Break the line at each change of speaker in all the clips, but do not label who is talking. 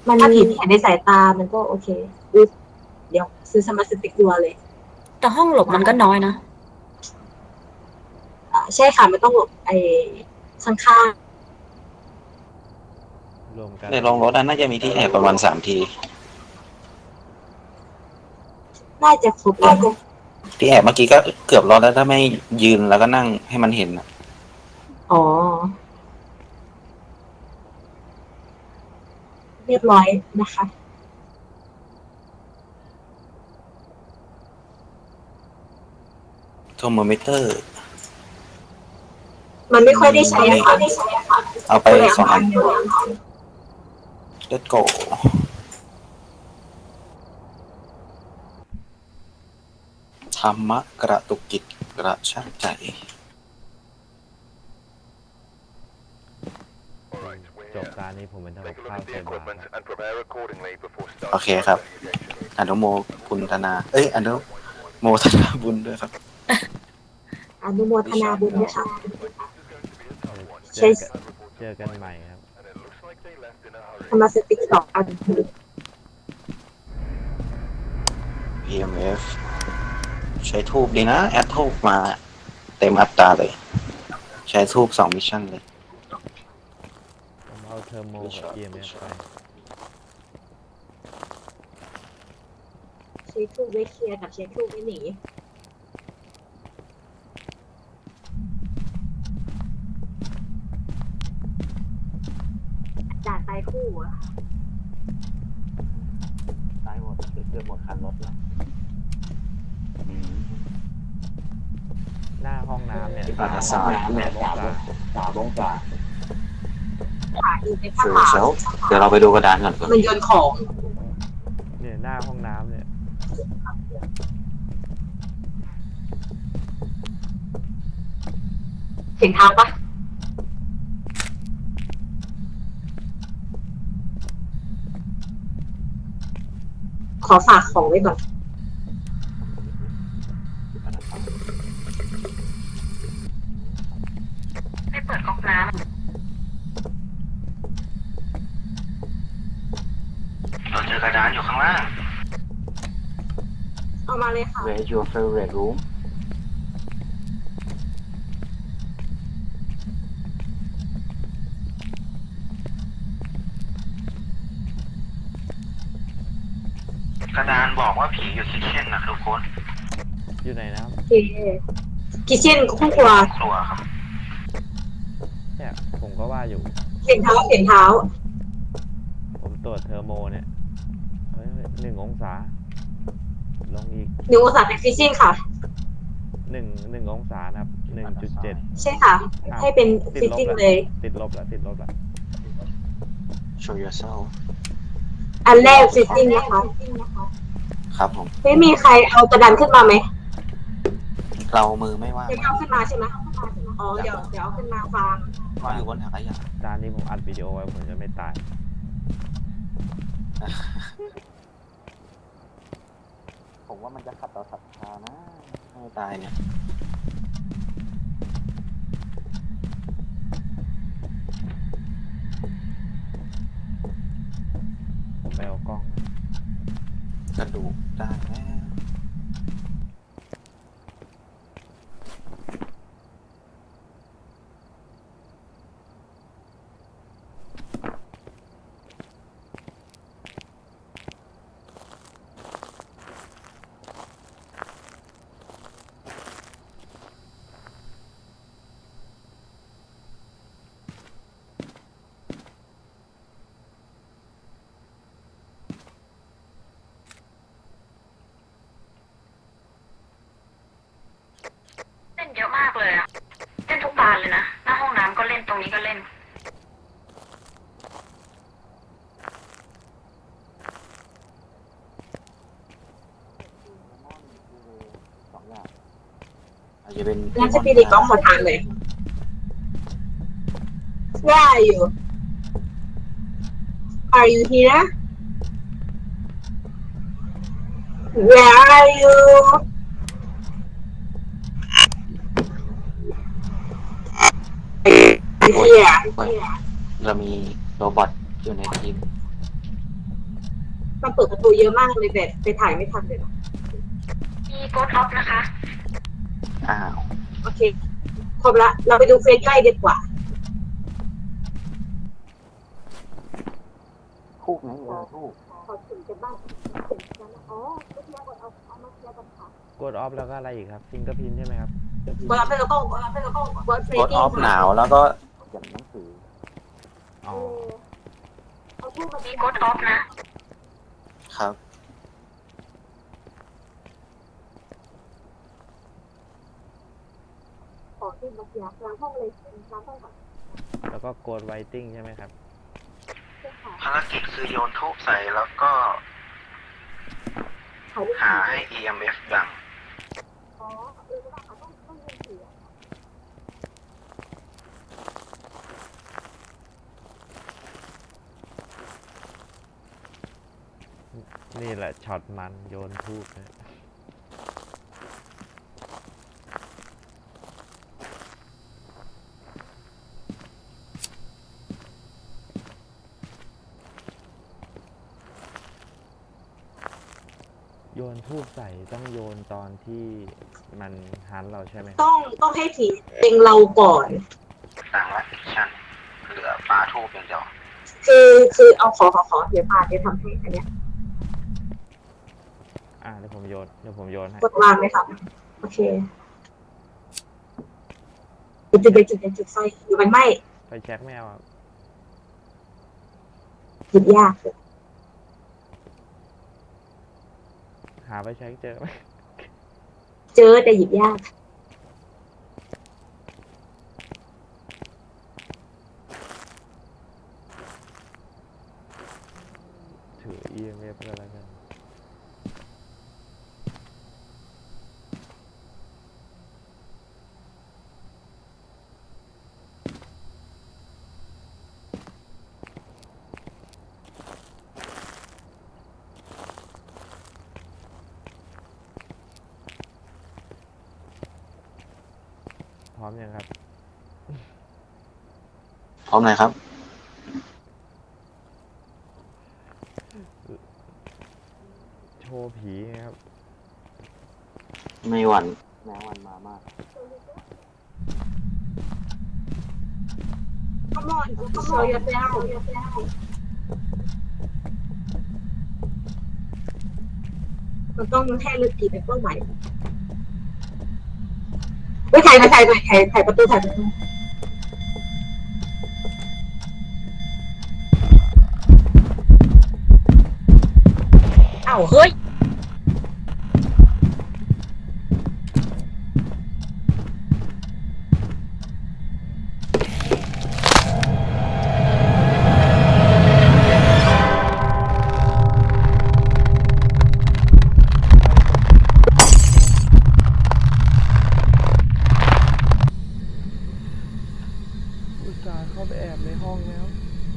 มันถ้าผีไม่เห็นในสายตามันก็โอเคอุ๊ยเดี๋ยวซื้อสมาร์ทสติ๊กตัวเลย
แต่ห้องหลบมันก็น้อยนะ
ใช่ค่ะมันต้องหลบไอ้ข้าง
รวมกัน
ในโรงรถน่าจะมีที่แอบประมาณ3 ที
ๆน่าจะครบแล้ว
ที่แอบเมื่อกี้ก็เกือบรอดแล้วถ้าไม่ยืนแล้วก็นั่งให้มันเห็น
อ๋อเรียบร้อยนะคะ
โทรโมมิเตอร์
มันไม่ค่อยได้ใช้ค่ะ
เอาไป
ก็เลย
2 อัน
เดียว
Let's go ธรรมะกระตุกจิตกระชากใจ
จบการนี้ผมเป็นทำกับข้าวใส่บาตรครับ
โอเคครับอนุโมคุณธนาอนุโมทนาบุญด้วยครับ
อนุโมทนาบุญด้วยค่ะ
เจ
ใช้
อกันเจอกันใหม่ครับ
สมาร์ทสติ๊ก2 อัน
EMF ใช้ทูบดีนะแอดทูบมาเต็มอัตราเลย ใช้ทูบ2 มิชชั่นเลย
ผมเอาเทอร์โมกับ EMF ไป
ใช้ทูบไว้เคลียร์กับใช้ทูบไว้หนีด่านตายคู่อะ
ตายหมดเกือบหมดคันรถแล้ว
หน้าห้องน้ำเนี่ย
ที่ปาราซาเนี่ย
3 องศา
ขาอีกในผ้า
ฟิว
ขาว
เซลเดี๋ยวเราไปดูกระดานก่อน
มันโยนของ
เนี่ยหน้าห้องน้ำเนี่ย
เห็นทางปะขอฝากของไว้ก่อนไม่เปิดก๊อกน้ำ
เราเจอกระดานอยู่ข้างล่าง
เอามาเลยค่ะ
Where's your favorite room กระดานบอกว่าผีอยู่คิทเช่นนะทุกคน
อยู่ไหนนะครับ
โอเคกิเช่นคู่ครัว
ครัวครับ
เนี่ยผมก็ว่าอยู่
เห็นเท้าเห็นเท้า
ผมตรวจเทอร์โมเนี่ยเฮ้ย1 องศา ลงอีก
หนูอุตส่าห์เป็นฟิชชิ่งค่ะ
1 องศานะครับ 1.7
ใช่ค่ะ ให้เป็นฟิชชิ่งเลย
ติดลบแล้วติดลบแล้ว
Show yourself
อันแรกฟิชชิ่งนะคะ
ครับผม
ไม่มีใครเอากระดานขึ้นมาไหม
เรามือไม่ว่าง
จะเอาขึ้นมาใช่ไหมอ๋อเดี๋ยวเอาขึ้นมาฟัง
ว่างอยู่บนถังขยะ
ตอนนี้ผมอัดวิดีโอไว้ผมจะไม่ตาย
ผมว่ามันจะขัดต่อศรัทธานะไม่ตายเนี่ย
ผมไปเอากล้อง
กระดูกได้แล้ว
เล่นเยอะมากเลยอะเล่นทุกบานเลยนะ หน้าห้องน้ำก็เล่น ตรงนี้ก็เล่น
อาจจะเป็น
แล้วจะปีดีก็ขอทานเลย Where are you Are you here Where are you Here
เรามีโรบอทอยู่ในทีม
มันเปิดประตูเยอะมากเลยแบบไปถ่ายไม่ทันเลยนะ
มีโกดออฟนะคะ
อ้าว
โอเคครบละเราไปดูเฟซใกล้ดีกว่า
ทูบไหนทูบ
ขอถึงจะบ้านอ๋อไม่เทียบเอามาเทียบกันค่ะ
กดออฟแล้วก็อะไรอีกครับฟิงเกอร์พินใช่ไหมครับ
บอลแล้วก็บอลเฟร
กดออฟหนาวแล้วก็เขียนหนังสือ
อ๋อ
มีโกดออฟนะ
ครับ
ขอที่มาเทียบล้างห้องเลยล้างห้องก่อน
แล้วก็กดไวติ้งใช่ไหมครับ
ภารกิจคือโยนทูบใส่แล้วก็ หาให้ EMF ดัง
อ๋อต้องยินเสียง
นี่แหละช็อตมันโยนทูบนะโยนทูบใส่ต้องโยนตอนที่มันหันเราใช่ไหมครับ
ต้องให้ผีเองเราก่อน
ดังละชันเหลือปลาทูบอย่างเดียว
คือเอาขอเดี๋ยวพาเดี๋ยวทำให้อันเนี้ย
เดี๋ยวผมโยนให้
กดวางไหมครับโอเคจุดไฟอยู่มันไหม้
ไฟแช็กไม่เอาครับ
หยิบยาก
หาไฟแช็กเจอไหม
เจอแต่หยิบยาก
ถือ EMF ก็แล้วกัน พร้อมยังครับ
พร้อมไหนครับ
โชว์ผีไงครับ
ไม่หวั่นแม้วันมามาก
Come on show yourself มันต้องให้ลึกกี่เป็นเป้าหมายเฮ้ยถ่ายประตูอ้าวเฮ้ย
อุตส่าห์เข้าไปแอบในห้องแล้ว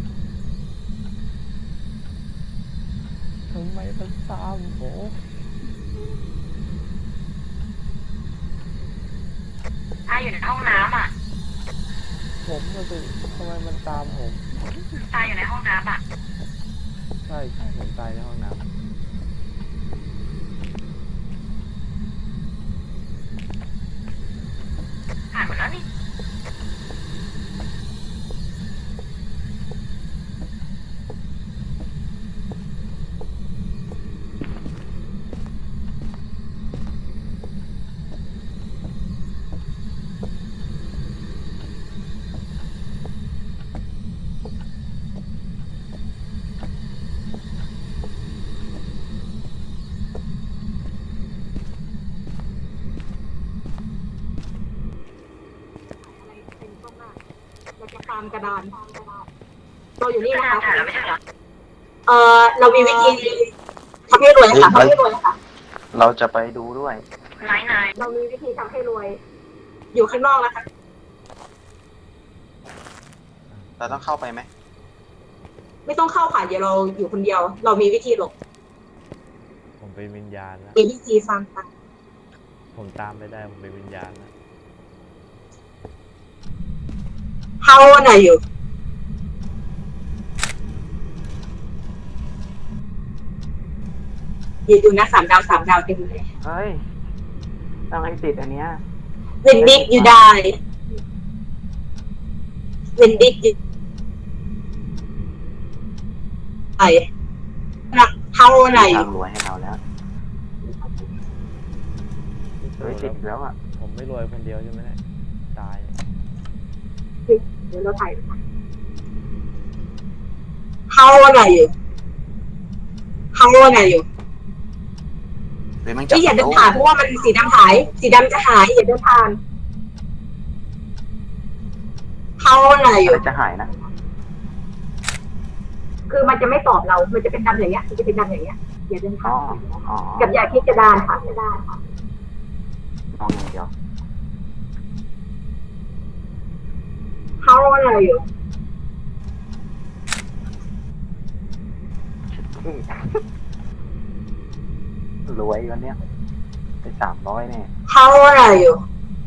ทำไมมันตามผม
อยู่ในห้องน้ำอ่ะ
ผมก็สิทำไมมันตามผม
ตายอยู่ในห้องน้ำอ่ะ
ใช่ผมตายในห้องน้ำ
ผ่านหมดแล้วนี่
เราจะตามกระดานเราอยู่นี่
นี่
นะ
นะคะ
คะ
ถ่ายแล้วไม่ใช่เหรอ
เรามีวิธีทำให้รวยค่ะทำให้รวยค่ะ
เราจะไปดูด้วย
นาย
เรามีวิธีทำให้รวย อยู่ข้างนอกนะคะ
เราต้องเข้าไปไหม
ไม่ต้องเข้าค่ะเดี๋ยวเราอยู่คนเดียว เรามีวิธีหลบ
ผมเป็นวิญญาณแล้ว
มีวิธีฟังค่ะ
ผมตามไม่ได้ ผมเป็นวิญญาณแล้ว
How old are you อย่าดูนะ3 ดาวเต็มเลย
เฮ้ยต้องให้ติดอันเนี้ย
เวนดิกอยู่ได้เวนดิกอยู่ไหนเท่าไหร่
ทางรวยให้เราแล้วเฮ้ยติดอีกแล้วอ่ะ
ผมไม่รวยคนเดียวใช่ไหมเนี่ยตาย
เดี๋ยวเราถ่ายเท่าไหร่อยู่เท่าไหร่อยู่
หรือมันจับ
ที่อย่าเดินผ่านเพราะว่ามันสีดำหายสีดำจะหายอย่าเดินผ่านเท่าไหร่อ
อะ
ยู่
ไรจะหายนะ
คือมันจะไม่ตอบเรา มันจะเป็นดำอย่างเงี้ยมันจะเป็นดำอย่างเงี้ยอย่าเดิน
อ๋
ผ่า
อน อ๋อ
กับยาคิดกระดานค่ะกระดานค่ะ
มองอย่างเดียว
เท่าไหร่อยู่
รวยวันเนี้ยไป300เนี่ย
เท่าไหร่อยู่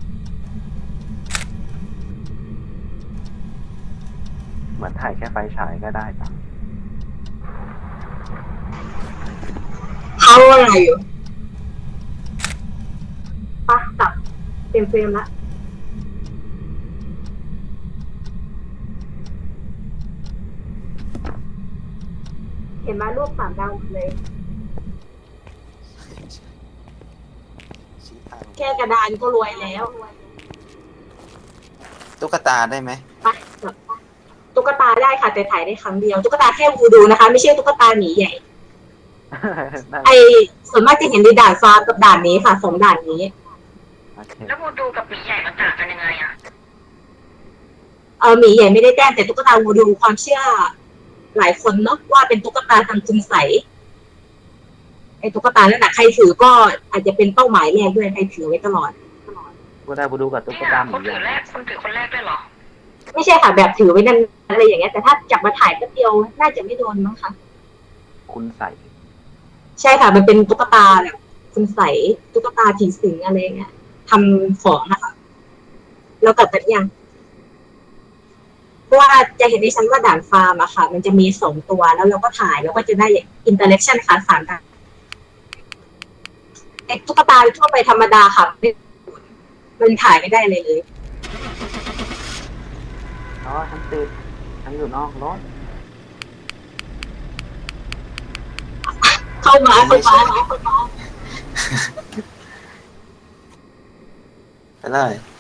เหมือนถ่ายแค่ไฟฉายก็ได้จ้ะ
เท่าไหร่อยู่ปะตับเต็มเฟรมละเห็นไหมรูป3 ดาวหมดเลย
ชี้ทาง
แค่กระดานก็รวยแล้ว
ตุ๊กตาได้ไหม
ไปจบตุ๊กตาได้ค่ะแต่ถ่ายได้ครั้งเดียวตุ๊กตาแค่วูดูนะคะ ไม่ใช่ตุ๊กตาหมีใหญ่ ไอส่วนมากจะเห็นในด่านฟ้ากับด่านนี้ค่ะ2 ด่านนี้
โอเค
แล้ววูดูกับหมีใหญ่มันต่างกันยังไงอะ
หมีใหญ่ไม่ได้แต้มแต่ตุ๊กตาวูดูความเชื่อ หลายคนเนาะว่าเป็นตุ๊กตาทำคุณใสยไอตุ๊กตานั่นแหะใครถือก็อาจจะเป็นเป้าหมายแรกด้วยใครถือไว้ตลอด
กูได้บูดูกับตุ๊ก
เนี่ย
ตาห
ค
มี
นถือแรกคนถือคนแรกด้วยเหรอ
ไม่ใช่ค่ะแบบถือไว้นั่นอะไรอย่างเงี้ยแต่ถ้าจับมาถ่ายแป๊บเดียวน่าจะไม่โดนมั้งคะ
คุณใส่
ใช่ค่ะมันเป็นตุ๊กตาแบบคุณใสยตุ๊กตาผีสิงอะไรเงี้ยทำของนะคะแล้วกลับกันยังเพราะว่าจะเห็นในชั้นว่าด่านฟาร์มอะค่ะ มันจะมี2 ตัวแล้วเราก็ถ่ายแล้วก็จะได้อินเตอร์เนชั่นค่ะ3 ด่านไอ้ตุ๊กตาทั่วไปธรรมดาค่ะมันถ่ายไม่ได้เลย
อ๋อฉันติดฉันอยู่นอกรถ
เข้ามา
ไปเลย